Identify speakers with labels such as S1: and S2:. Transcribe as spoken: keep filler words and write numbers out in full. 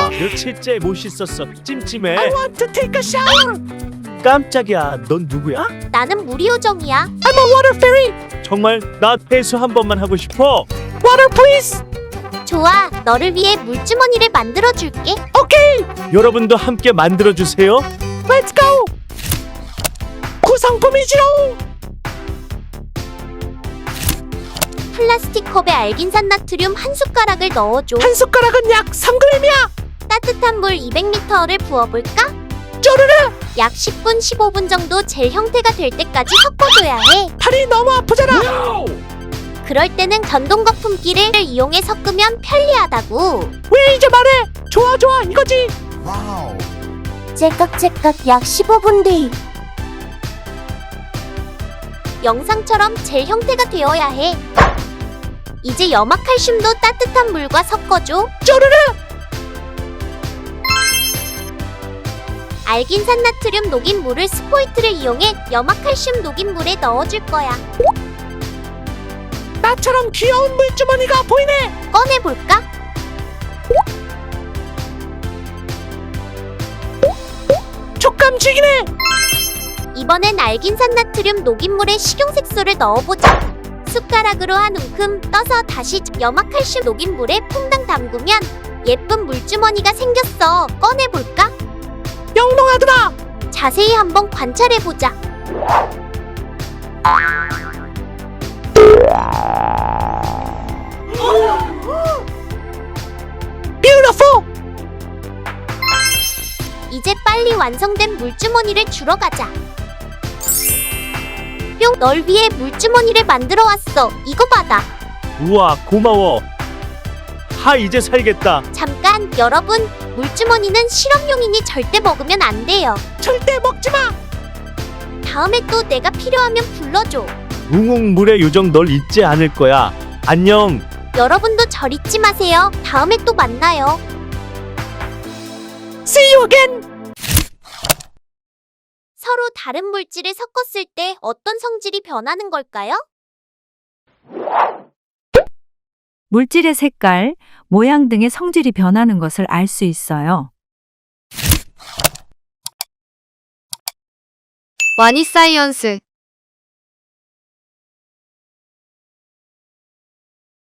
S1: 며칠째 못 씻었어. 찜찜해.
S2: I want to take a shower.
S1: 깜짝이야. 넌 누구야?
S3: 나는 무리요정이야.
S2: I'm a water fairy.
S1: 정말 나 회수 한 번만 하고 싶어.
S2: Water please.
S3: 좋아, 너를 위해 물주머니를 만들어 줄게.
S2: Okay.
S1: 여러분도 함께 만들어 주세요.
S2: Let's go. 구성품이지로.
S3: 플라스틱 컵에 알긴산 나트륨 한 숟가락을 넣어줘.
S2: 한 숟가락은 약 삼 그램이야.
S3: 따뜻한 물 이백 리터를 부어볼까?
S2: 쪼르르.
S3: 약 십 분, 십오 분 정도 젤 형태가 될 때까지 섞어줘야 해.
S2: 팔이 너무 아프잖아.
S3: 그럴 때는 전동 거품기를 이용해 섞으면 편리하다고.
S2: 왜 이제 말해? 좋아 좋아 이거지.
S3: 째깍째깍 약 십오 분 뒤. 영상처럼 젤 형태가 되어야 해. 이제 염화칼슘도 따뜻한 물과 섞어줘.
S2: 쪼르르.
S3: 알긴산 나트륨 녹인 물을 스포이트를 이용해 염화칼슘 녹인 물에 넣어줄 거야.
S2: 나처럼 귀여운 물주머니가 보이네.
S3: 꺼내볼까?
S2: 촉감 죽이네.
S3: 이번엔 알긴산 나트륨 녹인 물에 식용색소를 넣어보자. 숟가락으로 한 움큼 떠서 다시 염화칼슘 녹인 물에 퐁당 담그면 예쁜 물주머니가 생겼어. 꺼내볼까?
S2: 영롱하더라.
S3: 자세히 한번 관찰해보자.
S2: Beautiful.
S3: 이제 빨리 완성된 물주머니를 주러 가자. 뿅! 널 위해 물주머니를 만들어 왔어. 이거 받아.
S1: 우와, 고마워. 하, 이제 살겠다.
S3: 잠깐, 여러분. 물주머니는 실험용이니 절대 먹으면 안 돼요.
S2: 절대 먹지 마.
S3: 다음에 또 내가 필요하면 불러줘.
S1: 웅웅 물의 요정 널 잊지 않을 거야. 안녕.
S3: 여러분도 절 잊지 마세요. 다음에 또 만나요.
S2: See you again.
S3: 서로 다른 물질을 섞었을 때 어떤 성질이 변하는 걸까요?
S4: 물질의 색깔, 모양 등의 성질이 변하는 것을 알 수 있어요.
S5: 와니사이언스